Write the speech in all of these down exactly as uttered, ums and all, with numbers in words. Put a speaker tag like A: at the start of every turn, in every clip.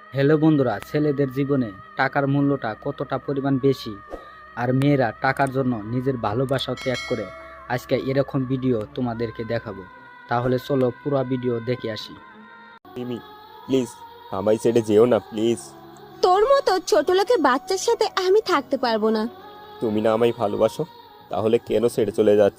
A: Hello বন্ধুরা, ছেলেদের জীবনে টাকার মূল্যটা কতটা পরিমাণ বেশি, আর মেয়েরা টাকার জন্য নিজের ভালোবাসাও ত্যাগ করে। আজকে এরকম ভিডিও তোমাদেরকে দেখাবো, তাহলে চলো পুরো ভিডিও দেখে আসি।
B: মিমি, প্লিজ আমায় ছেড়ে যেও না প্লিজ।
C: তোর মতো ছোট লোকের বাচ্চার সাথে আমি থাকতে পারবো না।
B: তুমি না আমায় ভালোবাসো, তাহলে কেন ছেড়ে চলে যাচ্ছ?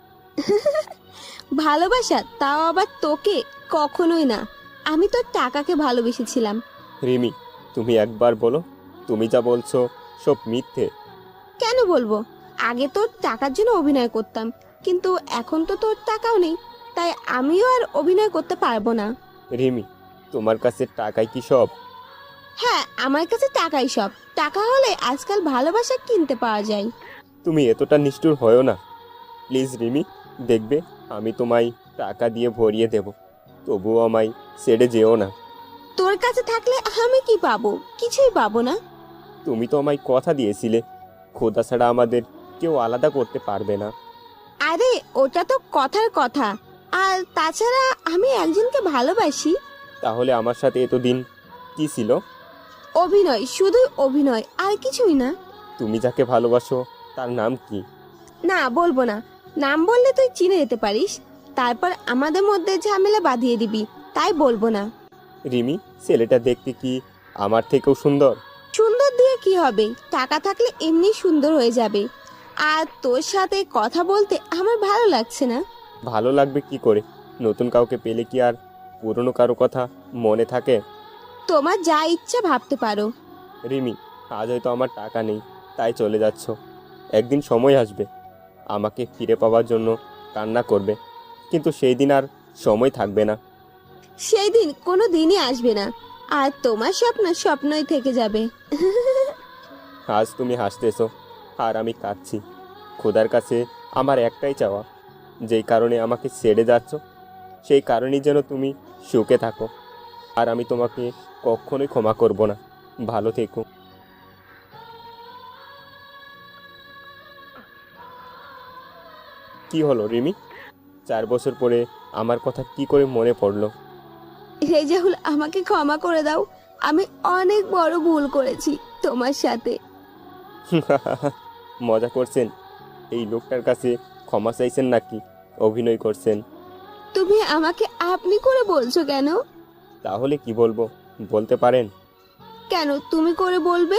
C: ভালোবাসা, তাও আবার তোকে? কখনোই না। আমি তোর টাকাকে ভালোবেসেছিলাম।
B: রিমি, তুমি একবার বলো, তুমি যা বলছো সব মিথ্যে।
C: কেন বলবো? আগে তোর টাকার জন্য অভিনয় করতাম, কিন্তু এখন তো তোর টাকাও নেই, তাই আমিও আর অভিনয় করতে পারবো না।
B: রিমি, তোমার কাছে টাকাই কি সব?
C: হ্যাঁ, আমার কাছে টাকাই সব। টাকা হলে আজকাল ভালোবাসা কিনতে পাওয়া যায়।
B: তুমি এতটা নিষ্ঠুর হয়েও না প্লিজ রিমি। দেখবে আমি তোমায় টাকা দিয়ে ভরিয়ে দেব, তবুও আমায় ছেড়ে যেও না।
C: তোর কাছে থাকলে আমি কি পাবো? কিছুই পাবো না।
B: তুমি তো আমায় কথা দিয়েছিলে, খোদা ছাড়া আমাদের কেউ আলাদা করতে পারবে না।
C: আরে ওটা তো কথার কথা। আর তাছাড়া আমি একজনকে ভালোবাসি।
B: তাহলে আমার সাথে এতদিন কি ছিল?
C: অভিনয়, শুধুই অভিনয়, আর কিছুই না।
B: তুমি যাকে ভালোবাসো তার নাম কি?
C: না, বলবো না। নাম বললে তুই চিনে যেতে পারিস, তারপর আমাদের মধ্যে ঝামেলা বাঁধিয়ে দিবি, তাই বলবো না।
B: রিমি, ছেলেটা দেখতে কি আমার থেকেও সুন্দর?
C: সুন্দর দিয়ে কি হবে? টাকা থাকলে এমনি সুন্দর হয়ে যাবে। আর তোর সাথে কথা বলতে আমার ভালো লাগছে না।
B: ভালো লাগবে কি করে? নতুন কাউকে পেলে কি আর পুরনো কারো কথা মনে থাকে?
C: তোমার যা ইচ্ছা ভাবতে পারো।
B: রিমি, আজ হয়তো আমার টাকা নেই তাই চলে যাচ্ছ, একদিন সময় আসবে আমাকে ফিরে পাওয়ার জন্য কান্না করবে, কিন্তু সেই দিন আর সময় থাকবে না।
C: সেই দিন কোনো দিনই আসবে না, আর তোমার স্বপ্ন স্বপ্নই থেকে যাবে।
B: আজ তুমি হাসতেছো আর আমি কাঁদছি। খোদার কাছে আমার একটাই চাওয়া, যেই কারণে আমাকে ছেড়ে যাচ্ছ সেই কারণেই যেন তুমি সুখে থাকো, আর আমি তোমাকে কখনোই ক্ষমা করব না। ভালো থেকো। কি হলো রিমি, চার বছর পরে আমার কথা কি করে মনে পড়লো?
C: রেজাউল, আমাকে ক্ষমা করে দাও। আমি অনেক বড় ভুল করেছি তোমার সাথে।
B: মজা করছেন? এই লোকটার কাছে ক্ষমা চাইছেন নাকি অভিনয় করছেন?
C: তুমি আমাকে আপনি করে বলছো কেন?
B: তাহলে কি বলবো বলতে পারেন?
C: কেন তুমি করে বলবে?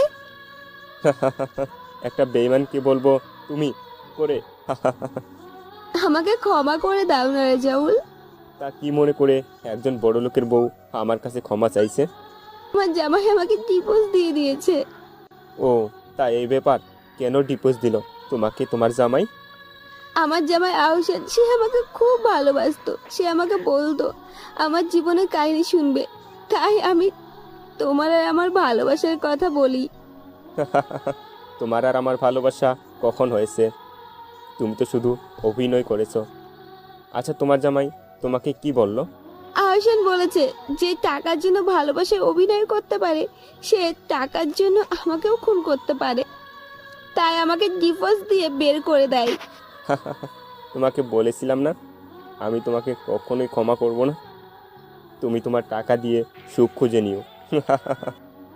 B: একটা বেঈমানকে বলবো তুমি করে?
C: আমাকে ক্ষমা করে দাও না রেজাউল।
B: তা কি মনে করে একজন বড় লোকের বউ আমার কাছে ক্ষমা চাইছে?
C: আমার জামাই আমাকে ডিভোর্স দিয়ে দিয়েছে।
B: ও, তা এই ব্যাপার? কেন ডিভোর্স দিল তোমাকে তোমার জামাই?
C: আমার জামাই আহসান, সে আমাকে খুব ভালোবাসতো। সে আমাকে বলতো আমার জীবনের কাহিনী শুনবে, তাই আমি তোমার আর আমার ভালোবাসার কথা বলি।
B: তোমার আর আমার ভালোবাসা কখন হয়েছে? তুমি তো শুধু অভিনয় করেছো। আচ্ছা, তোমার জামাই তোমাকে কি বলল?
C: আহসান বলেছে যে টাকার জন্য ভালোবাসায় অভিনয় করতে পারে, সে টাকার জন্য আমাকেও খুন করতে পারে, তাই আমাকে ডিভোর্স দিয়ে বের করে দেয়।
B: তোমাকে বলেছিলাম না আমি তোমাকে কখনোই ক্ষমা করব না। তুমি তোমার টাকা দিয়ে সুখ খুঁজে নিও।